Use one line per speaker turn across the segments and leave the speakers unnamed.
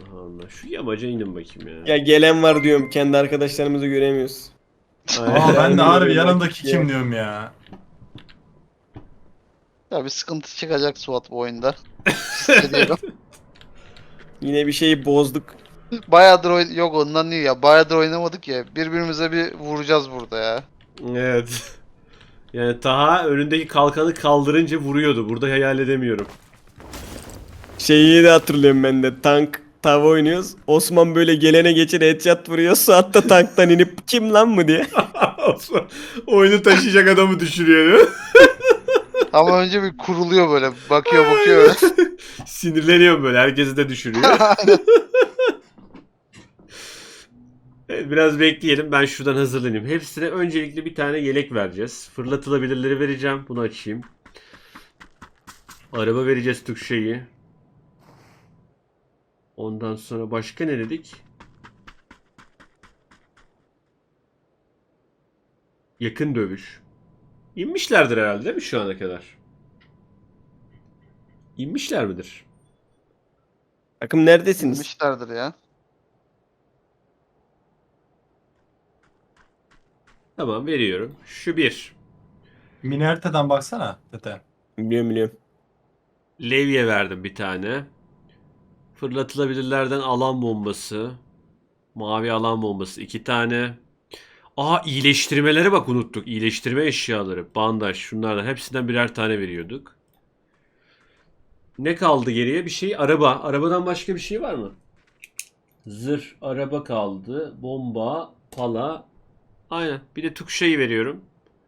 Allah. Şu yamaca inin bakayım ya.
Ya gelen var diyorum. Kendi arkadaşlarımızı göremiyoruz.
Aa ben de harbi
Aynen.
yanımdaki kim diyorum ya.
Ya bir sıkıntı çıkacak Suat bu oyunda. Hissediyorum.
Yine bir şeyi bozduk.
Bayağıdır yok ondan değil ya. Bayağıdır oynamadık ya. Birbirimize bir vuracağız burada ya.
Evet. Yani Taha önündeki kalkanı kaldırınca vuruyordu. Burada hayal edemiyorum.
Şeyi de hatırlıyorum ben de. Tank tava oynuyoruz. Osman böyle gelene geçir headshot vuruyor. Suat da tanktan inip kim lan mı diye.
Oyunu taşıyacak adamı düşürüyor değil mi?
Ama önce bir kuruluyor böyle. Bakıyor öyle.
Sinirleniyorum böyle. Herkesi de düşürüyor. Evet, biraz bekleyelim. Ben şuradan hazırlanayım. Hepsine öncelikle bir tane yelek vereceğiz. Fırlatılabilirleri vereceğim. Bunu açayım. Araba vereceğiz Tukşe'yi. Ondan sonra başka ne dedik? Yakın dövüş. İnmişlerdir herhalde değil mi şu ana kadar? İnmişler midir?
Takım neredesiniz?
Bilmişlerdir ya.
Tamam veriyorum. Şu bir.
Minerte'den baksana Tete.
Biliyorum.
Levye verdim bir tane. Fırlatılabilirlerden alan bombası. Mavi alan bombası 2 tane. Aa iyileştirmelere bak unuttuk. İyileştirme eşyaları. Bandaj şunlardan hepsinden birer tane veriyorduk. Ne kaldı geriye? Bir şey araba. Arabadan başka bir şey var mı? Zırh, araba kaldı. Bomba, pala. Aynen. Bir de Tukşa'yı veriyorum.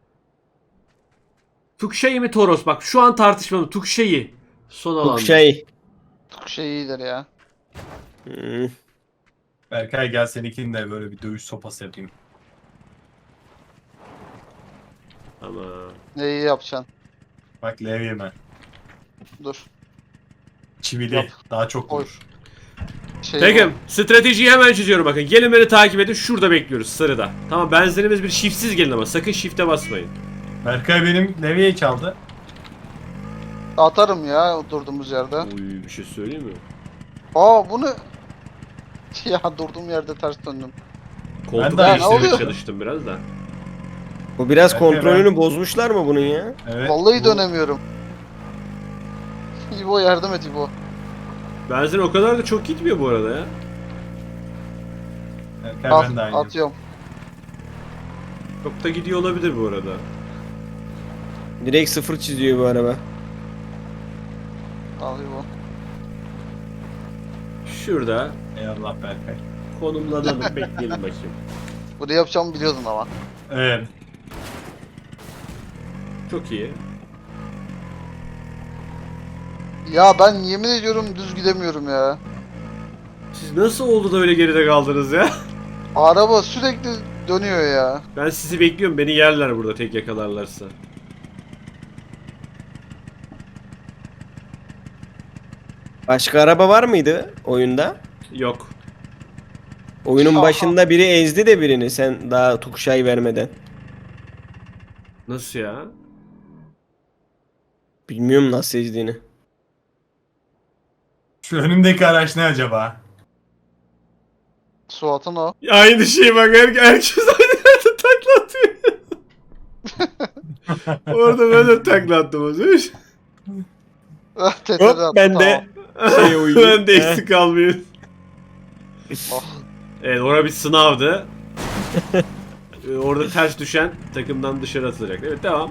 Tukşa'yı mı Toros? Bak şu an tartışmalı. Tukşa'yı. Son alanda.
Tukşay.
Çok şey iyidir ya.
Hmm.
Berkay gel seninkini de böyle bir dövüş sopası yapayım.
Ama
Neyi yapacaksın?
Bak levyeme.
Dur.
Çivili.
Yap.
Daha çok
Oy.
vurur.
Takım stratejiyi hemen çiziyorum bakın. Gelin beni takip edin. Şurada bekliyoruz sarıda. Tamam benzinimiz bir shiftsiz gelin ama sakın shift'e basmayın.
Berkay benim levyeyi çaldı.
Atarım ya durduğumuz yerde.
Oy bir şey söyleyeyim mi?
Aa bunu... Ya durduğum yerde ters döndüm.
Koltuk
de-
Ne
değiştirmeye
oluyor?
çalıştım biraz da.
Bu biraz
Berkay
kontrolünü bozmuşlar mı bunun ya?
Evet.
Vallahi
bu-
dönemiyorum. İbo yardım et İbo.
Benzin o kadar da çok gitmiyor bu arada ya.
Berkay
Al,
ben de aynı.
atıyorum.
Çok da gidiyor olabilir bu arada.
Direkt sıfır çiziyor bu araba.
Al İbo.
Şurada
Eyvallah Berkay.
konumlanalım bekleyelim bakayım.
Bunu yapacağımı biliyordun ama.
Evet.
Çok iyi.
Ya ben yemin ediyorum düz gidemiyorum ya.
Siz nasıl oldu da öyle geride kaldınız ya?
Araba sürekli dönüyor ya.
Ben sizi bekliyorum. Beni yerler burada tek yakalarlarsa.
Başka araba var mıydı oyunda?
Yok.
Oyunun
Aha.
başında biri ezdi de birini sen daha Tukşay vermeden.
Nasıl ya?
Bilmiyorum nasıl ezdiğini.
Şu önümdeki araç ne acaba?
Suat'ın o.
Aynı şey bak herkes aynı yerde takla atıyor. Orada ben de takla attım az önce.
Teteri
Hop
attı,
ben de
tamam.
şey uyuyayım.
Ben de eksik kalmayayım.
Oh.
Evet orada bir sınavdı. Orada ters düşen takımdan dışarı atılacak. Evet devam.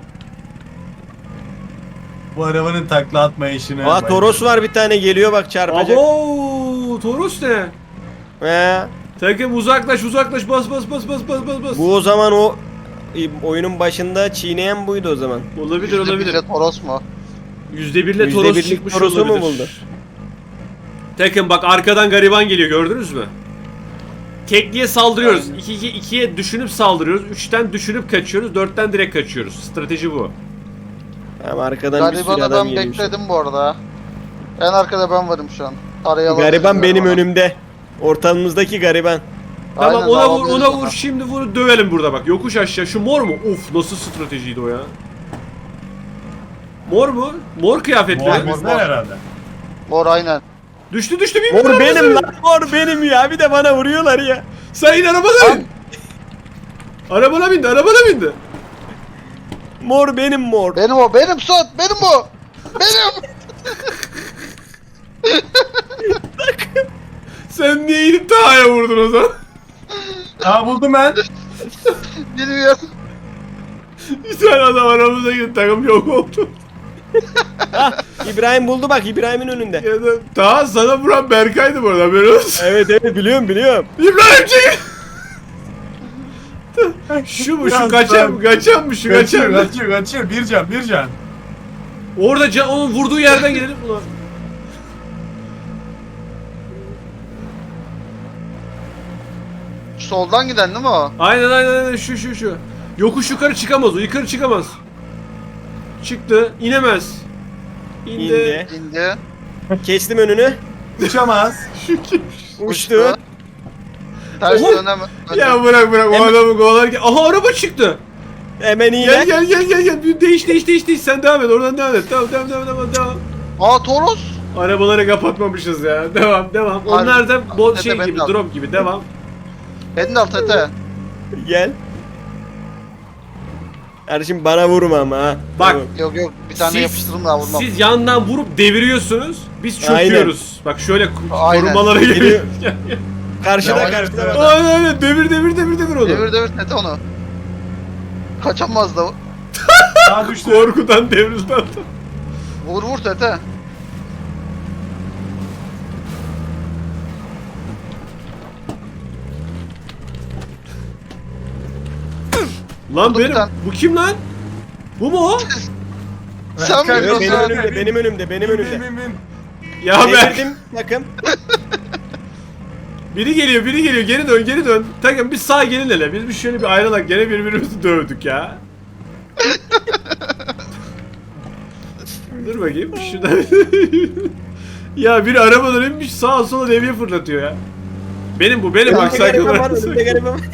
Bu arabanın takla atma işine.
Aa Toros var bir tane geliyor bak çarpacak.
Abo Toros ne?
He.
Takım uzaklaş uzaklaş bas bas bas bas bas bas bas.
Bu o zaman o oyunun başında çiğneyen buydu o zaman.
Olabilir olabilir.
%1'le Toros mu?
%1'le
%1'lik
Toros çıkmış
Toros'u mu
olabilir.
buldu?
Takım bak arkadan gariban geliyor gördünüz mü? Tekliye saldırıyoruz. 2'ye düşünüp saldırıyoruz. 3'ten düşünüp kaçıyoruz. 4'ten direkt kaçıyoruz. Strateji bu.
Tamam arkadan bir sürü
Gariban'ı
adam
ben
geliyor.
bekledim bu arada. En arkada ben varım şu an. Araya
Gariban benim
önümde.
önümde. Ortalığımızdaki gariban.
Tamam
Aynen,
ona vur
alabiliriz
ona
onu.
vur şimdi vur dövelim burada bak. Yokuş aşağı. Şu mor mu? Uf nasıl stratejiydi o ya? Mor mu? Mor kıyafetli.
Bu
Mor,
bizden
mor.
herhalde.
Mor aynen.
Düştü bin
Mor
arabasına
benim
bin.
lan. Mor benim ya. Bir de bana vuruyorlar ya.
Sen in arabana bin. Arabana bindi.
Mor benim mor.
Benim o, benim Suat, benim o. Benim.
Sen niye inip Taha'ya vurdun o zaman?
Aa buldum ben.
Bilmiyorum.
Bir tane adam aramıza girdi, takım yok oldu.
İbrahim buldu bak, İbrahim'in önünde.
Ya da Taha sana vuran Berkay'dı bu arada, haberin olsun.
Evet biliyorum.
İbrahim çekil. Şu mu, şu kaçan mı,
Kaçıyor. Bir can.
Orada onun vurduğu yerden gidelim ulan.
Soldan giden değil mi o?
Aynen şu. Yokuş yukarı çıkamaz o, yukarı çıkamaz. Çıktı, inemez.
İndi.
İndi.
Kestim önünü.
Uçamaz.
Şu kim?
Uçtu.
Ters
Oha!
dönem.
Ya bırak o
Hemen-
adamı kovalarken. Aha araba çıktı.
Hemen iyi.
Gel. Bir değiş. Sen devam et, oradan devam et. Devam.
Aa Toros.
Arabaları kapatmamışız ya. Devam.
Var.
Onlar da
Tete
şey
ben
gibi,
de al.
drop gibi. Devam.
Beni de al Tete.
Gel. Kardeşim bana vurma ama ha.
Bak.
Yok bir tane
Siz-
yapıştırdım daha vurmam.
Siz yandan vurup deviriyorsunuz. Biz çöküyoruz. Bak şöyle
Aynen.
korumalara geliyor.
Karşıda
Yavaş,
karşıda.
yavaş.
bak.
Aynen devir onu.
Devir Tete onu. Kaçamaz da.
Aa düştü.
Korkudan devrildi adam.
Vur Tete.
Lan
Oldu bir
benim.
tane.
Bu kim lan? Bu mu o?
Sen
Berkay,
biliyorsun.
Benim
abi.
önümde, benim önümde.
Bin.
Ya ben.
Devirdim takım.
Biri geliyor. Geri dön. Takım biz sağa gelin hele. Biz bir şöyle bir ayrılak. Gene birbirimizi dövdük ya. Dur bakayım. Şuradan. Ya biri arabadan inmiş sağa sola levye fırlatıyor ya. Benim bak
Önümde
sakin
gariban var,
olarak.
önümde gariban var.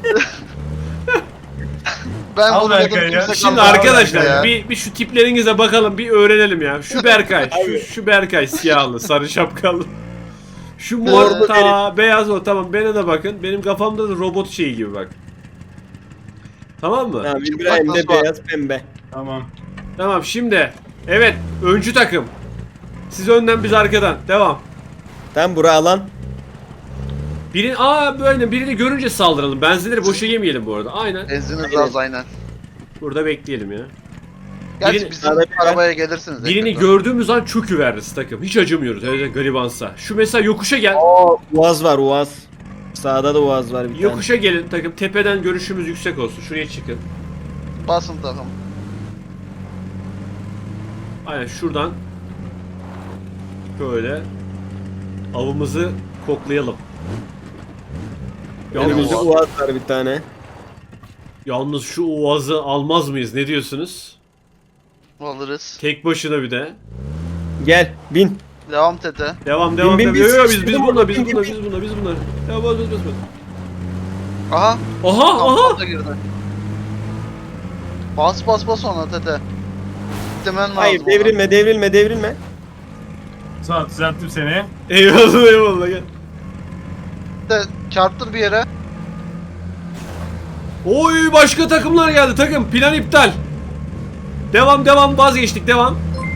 Ben
Al
vuruyordum
Berkay ya.
kimse
Şimdi
kalmadı
arkadaşlar
ya.
bir şu tiplerinize bakalım, bir öğrenelim ya. Şu Berkay, şu Berkay siyahlı, sarı şapkalı. Şu mor
Morlu
ta beyaz o, tamam, bana da bakın. Benim kafamda da robot şeyi gibi bak. Tamam mı?
Tamam, İbrahim de
Nasıl var?
beyaz pembe.
Tamam.
Tamam şimdi. Evet, öncü takım. Siz önden, biz arkadan. Devam.
Tam bura alan.
Birini görünce saldıralım. Benzinleri boşa yemeyelim bu arada. Aynen.
Benziniz az aynen.
Burada bekleyelim ya.
Gerçi
Birini-
bizim
Arabaya-
arabaya gelirsiniz.
Birini
yakında.
gördüğümüz an çöküveririz takım. Hiç acımıyoruz. Öyle garibansa. Şu mesela yokuşa gel.
Uaz var, Uaz. Sağda da Uaz var bir tane.
Yokuşa gelin takım. Tepeden görüşümüz yüksek olsun. Şuraya çıkın.
Basın takım.
Aynen şuradan. Böyle. Avımızı koklayalım.
Önümüzde
Yalnız,
Uaz var bir tane.
yalnız şu oğazı almaz mıyız? Ne diyorsunuz?
Alırız.
Tek başına bir de.
Gel, bin.
Devam Tete.
Devam.
Bin,
Yo,
bin,
yo, biz
sıkıştırdım
bunlar,
orada.
biz
Bin,
bunlar. Ya bas.
Aha.
Aha.
Da girdi. Bas ona Tete. Demen lazım.
Hayır,
ona.
devrilme.
Sağ düzelttim seni.
Eyvallah gel.
Tete, çarptır bir yere.
Oy, başka takımlar geldi takım. Plan iptal. Devam, vazgeçtik, devam.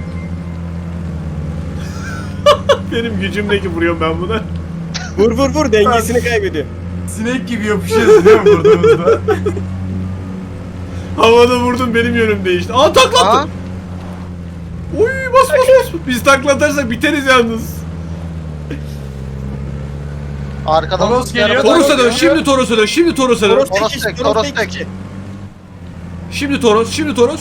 Benim gücümdeki vuruyorum ben buna.
Vur, dengesini kaybediyor.
Sinek gibi yapışıyoruz değil mi vurduğumuzda?
Havada vurdum, benim yönüm değişti. Aa,
Aha.
taklattı. Oy, bas. Biz taklatarsak biteriz yalnız.
Arkadan
Toros
bir araba
geliyor.
daha
Toros'a dön,
geliyor.
şimdi Toros'a dön, şimdi Toros'a dön.
Toros tek.
Şimdi Toros.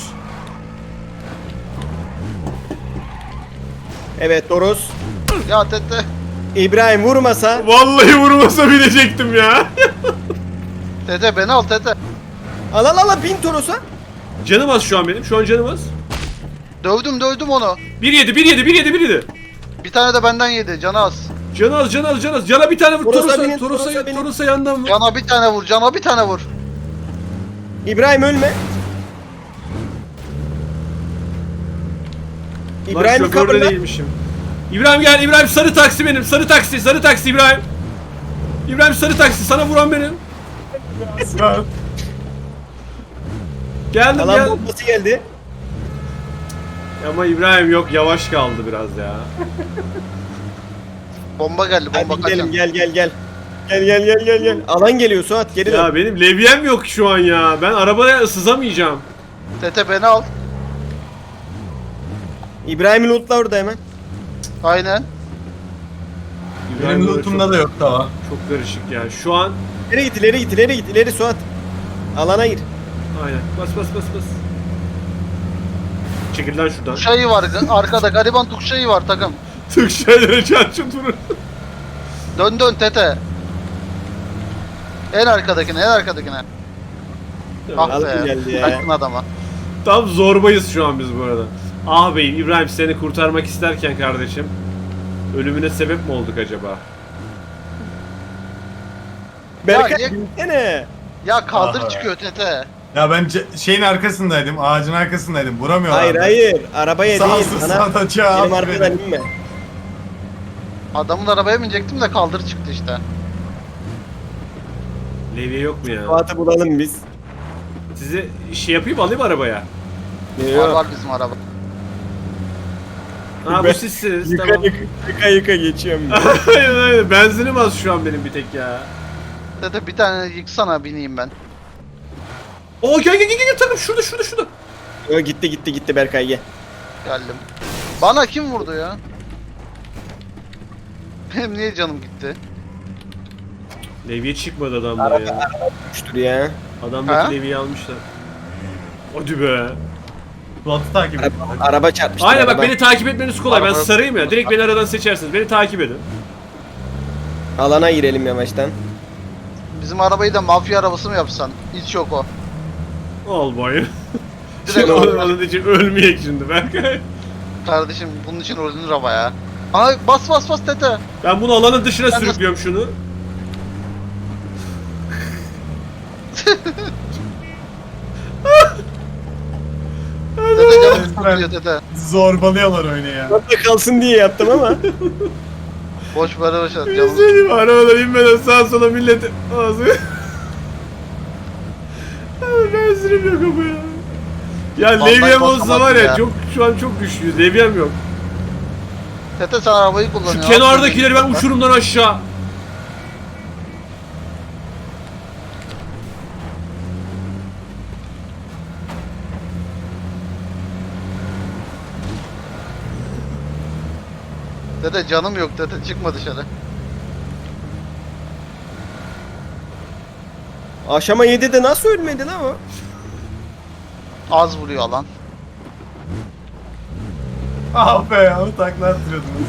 Evet, Toros.
Ya Tete.
İbrahim vurmasa.
Vallahi vurmasa bilecektim ya.
Tete beni al Tete.
Al, bin Toros'a.
Canım az şu an benim, şu an canım az.
Dövdüm onu.
1 yedi.
Bir tane de benden yedi. Canı az.
Canı az. Cana bir tane vur.
Toros'a binin, Toros'a binin.
Toros'a yandan vur.
Cana bir tane vur.
İbrahim ölme.
Lan
İbrahim
şoförde
coverla.
değilmişim. İbrahim gel. İbrahim sarı taksi benim. Sarı taksi. Sarı taksi İbrahim. İbrahim sarı taksi. Sana vuran benim.
Aslan.
Geldim
Alan
gel.
bombası geldi.
Ama İbrahim yok yavaş kaldı biraz ya.
Bomba geldi, bomba
Hadi gidelim,
kaçın.
gel gel gel. Gel. Alan geliyor Suat, geri dön.
Ya benim levyem yok şu an ya. Ben arabaya sızamayacağım.
Tete beni al.
İbrahim'in lootla orada hemen.
Aynen.
İbrahim
Benim
böyle
lootumda da yok daha.
çok karışık ya. Şu an
İleri git ileri Suat. Alana gir.
aynen. Bas. Çekil lan şuradan.
Tuşayı var arkada, gariban tuşayı var takım.
Tık şeylere çarçın durur.
Dön Tete. En arkadakine. Ah
Alan
be.
geldi ya.
Kaçtın adama.
Tam zorbayız şu an biz bu arada. Ah beyim İbrahim seni kurtarmak isterken kardeşim. Ölümüne sebep mi olduk acaba?
Berkay
niye-
gitsene.
Ya kaldır
Aha.
çıkıyor Tete.
Ya ben şeyin arkasındaydım, ağacın arkasındaydım. Vuramıyorlardı.
Hayır. Arabaya
Sağ
değil.
olsun
Sana
sana çağ
benim arkadan inme.
Adamın arabaya binecektim de kaldır çıktı işte.
Levye yok mu ya?
Suat'ı bulalım biz.
Size şey yapayım alayım arabaya.
Var
Yok.
bizim araba.
Ha bu
Ben-
sizsiniz
Yıka
tamam.
yıka geçiyorum. ben.
Aynen. Benzinim az şu an benim bir tek ya.
Tete bir tane yıksana, bineyim ben.
Oo gel takım şurada.
Yo, gitti Berkay gel.
Geldim. Bana kim vurdu ya? Benim niye canım gitti?
Levye çıkmadı adamlara ya.
Düştür ya.
Adamdaki
Ha?
levyeyi almışlar. Hadi be.
Suat'ı takip et.
Araba çarpmıştı.
Aynen bak
araba.
beni takip etmeniz kolay. Ben
Araba-
sarayım ya. Direkt beni aradan seçersiniz. Beni takip edin.
Alana girelim yavaştan.
Bizim arabayı da mafya arabası mı yapsan? Hiç yok o.
Ol boyun.
Direkt
Şimdi
o.
onun için ölmeyek şimdi Berkay.
Kardeşim bunun için ölünür ama ya. Aa bas Tete.
Ben bunu alanın dışına
Ben de-
sürüklüyorum şunu.
Tete canım sıkılıyor Tete.
Zorbalıyorlar oyunu ya.
Orada kalsın diye yaptım ama.
Boş ver boş ver
Bir
canım.
şey diyeyim mi? Arabadan inmeden sağa sola millet ağzı. Benzinim yok ama ya. Ya
Vallahi
levyem olsa
basamadım
var ya,
ya.
şu an çok güçlüyüz. Levyem yok.
Tete sen arabayı
Şu
kullanıyorsun.
kenardakileri ben uçurumdan aşağı.
Tete canım yok Tete, çıkma dışarı.
Aşama 7'de nasıl ölmedi lan o?
Az vuruyor alan.
Ah be ya, o takla attırıyordunuz.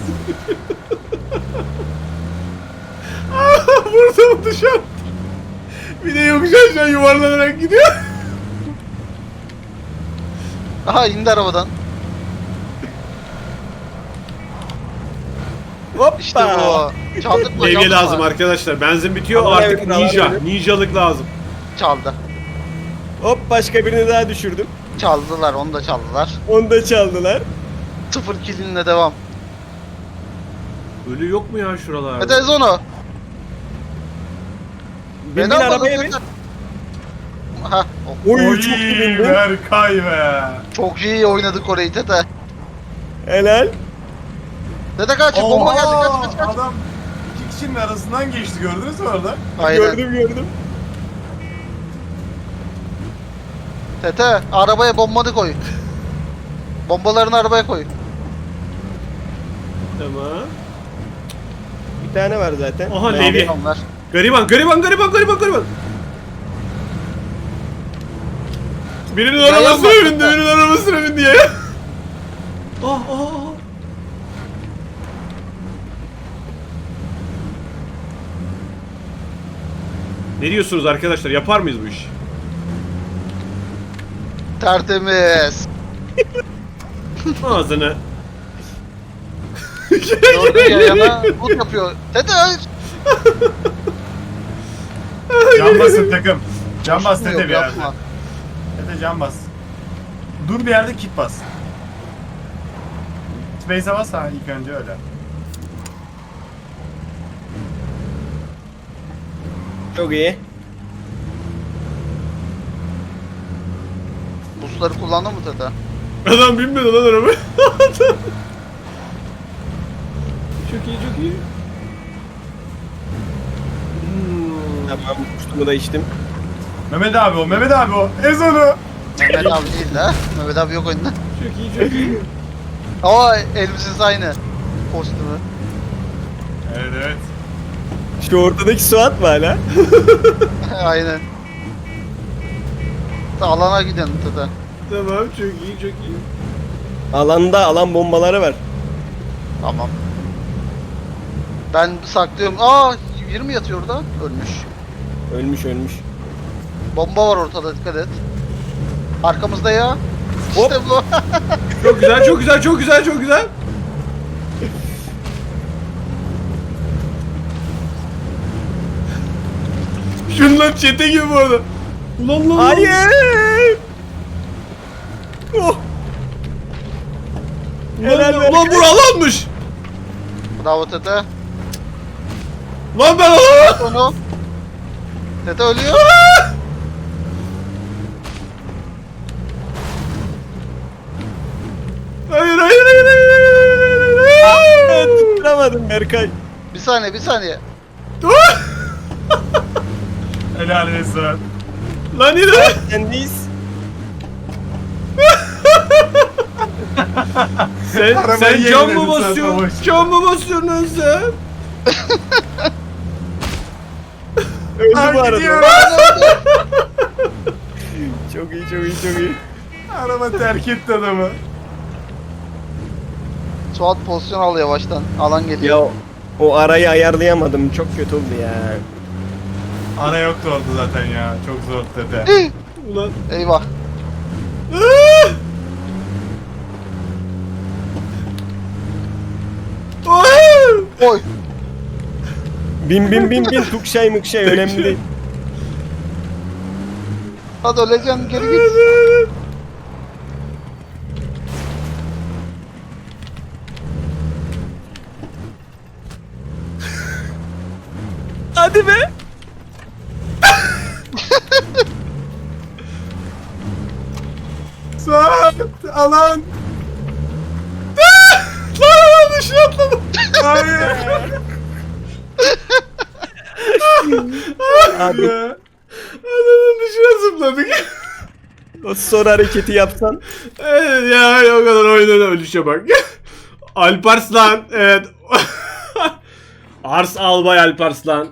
Vurdum dışarı. Bir de yokuş aşağı yuvarlanarak gidiyor.
Aha indi arabadan.
Hoppa.
İşte bu. Çaldık mı?
Levye
Çaldık
lazım
mı?
arkadaşlar. Benzin bitiyor
Aman
artık
evet, aman
ninja.
evet.
Ninjalık lazım.
Çaldı.
Hop başka birini daha düşürdüm.
Çaldılar, onu da çaldılar.
Onu da çaldılar.
0 killinle devam.
Ölü yok mu ya şuralarda?
Tete ez onu.
Bin
almadın
arabaya bin.
Tete. Hah, o-
Oy
Oy
çok iyi bindi.
Berkay be.
çok iyi oynadık orayı Tete.
Helal.
Tete kaç, bomba geldi, kaç.
Adam iki kişinin arasından geçti, gördünüz mü orada?
Aynen.
Gördüm.
Tete arabaya bombanı koy. Bombalarını arabaya koy.
Tamam.
Bir tane var zaten.
Aha
Ben-
levye.
Onlar.
Gariban. Birinin
Yayan
arabasına
bak,
bindi,
Tete.
birinin arabasına bindi ya. Ah. Ne diyorsunuz arkadaşlar? Yapar mıyız bu işi?
Tertemiz.
Ağzını.
Gördün ya yana loot yapıyor. Tete hayır.
Can basın takım. Can bas
Coşmuyor,
Tete bir yerde.
yapma.
Tete can bas. Dur bir yerde kit bas. Space'e bas ha ilk önce öyle.
Çok iyi.
Busları kullandın mı Tete?
Adam binmedi lan araba. Çok iyi çok iyi.
Tamam, kuştumu da içtim.
Mehmet abi o, Mehmet abi o. Ez onu.
Mehmet abi değil de. Mehmet abi yok oyunda.
Çok iyi çok iyi.
Ama elbisesi aynı. Kostümü.
Evet evet.
Şu ortadaki Suat mı hala?
Aynen. Alana gidelim Tete.
Tamam çok iyi çok iyi.
Alanda alan bombaları var.
Tamam. Ben saklıyorum. Aa 20 yatıyor orada. Ölmüş.
Ölmüş ölmüş.
Bomba var ortada, dikkat et. Arkamızda ya.
Hop.
İşte bu.
Çok güzel çok güzel çok güzel çok güzel. Şunlar çete gibi bu arada. Ulan lan.
Hayır. Oh. Helal be.
Ulan bura alanmış.
Bravo Tete.
Lan ben alan.
Onu. Tete ölüyor.
Hayır hayır hayır hayır.
Evet, tutturamadım Berkay.
Bir saniye bir saniye.
Helal olsun.
Lan yine.
Sendeyiz.
Sen
Arabayı
cam mı
yeniledin sen,
basıyorsun?
savaş.
Cam mı basıyorsun lan sen?
Öldü
Ay,
bu arada.
gidiyor.
Çok iyi çok iyi çok iyi.
Araba terk etti adamı.
Suat pozisyon al yavaştan. Alan geliyor.
Ya o arayı ayarlayamadım. Çok kötü oldu ya.
Ana yoktu orada zaten ya. Çok zor Tete.
Ulan.
Eyvah. Oy.
Bin bin bin bin tukşay mukşay önemli değil.
Hadi öleceksin, geri git.
Hadi be.
Suat! Alan!
Lan dışına atladım.
Hayır!
Abi
Adamın dışına zıpladık.
o son hareketi yapsan.
Evet ya o kadar oynadı ölüşe bak. Alparslan evet. Ars Albay Alparslan.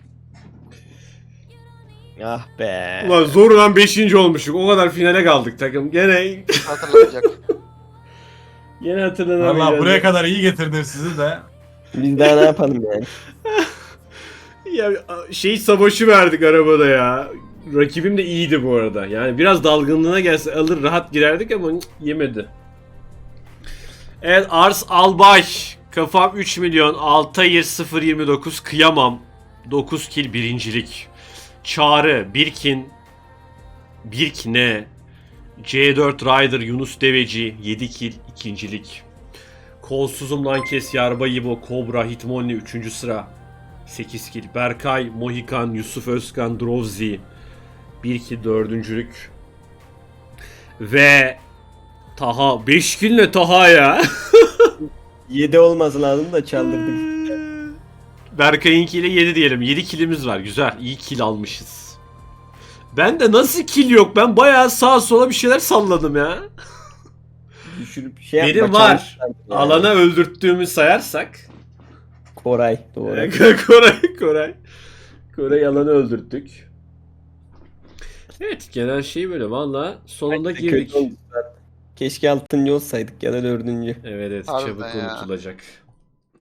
Ah be.
Ulan zorla 5. olmuşuk. O kadar finale kaldık takım. Gene
Hatırlayacak.
hatırlanamayacağız.
Valla buraya kadar iyi getirdim sizi de.
Biz daha ne yapalım yani?
Ya şey savaşı verdik arabada ya. Rakibim de iyiydi bu arada. Yani biraz dalgınlığına gelse alır rahat girerdik ama yemedi. Evet Ars Albay. Kafam 3 milyon. Altair 029. Kıyamam. 9 kill birincilik. Çağrı. Birkin. Birkne. C4 Rider Yunus Deveci 7 kill ikincilik. Kolsuzum lan kes Yarba İbo Kobra Hitmonli 3. sıra 8 kill. Berkay Mohikan Yusuf Özkan Drovzi 1 kill 4. Ve Taha 5 kill ne Taha ya?
7 olması lazım da çaldırdık.
Berkay'ınkiyle 7 diyelim. 7 killimiz var. Güzel. İyi kill almışız. Ben de nasıl kill yok? Ben bayağı sağa sola bir şeyler salladım ya.
Düşürüp şey
Benim
yapma,
var.
çalışlar yani.
Alana öldürttüğümü sayarsak.
Koray doğru.
Koray alanı öldürttük. Evet genel şey böyle valla sonunda
Kötü
girdik.
oldu zaten. Keşke 6. olsaydık ya da 4.
Evet
Harbiden
çabuk
ya.
unutulacak.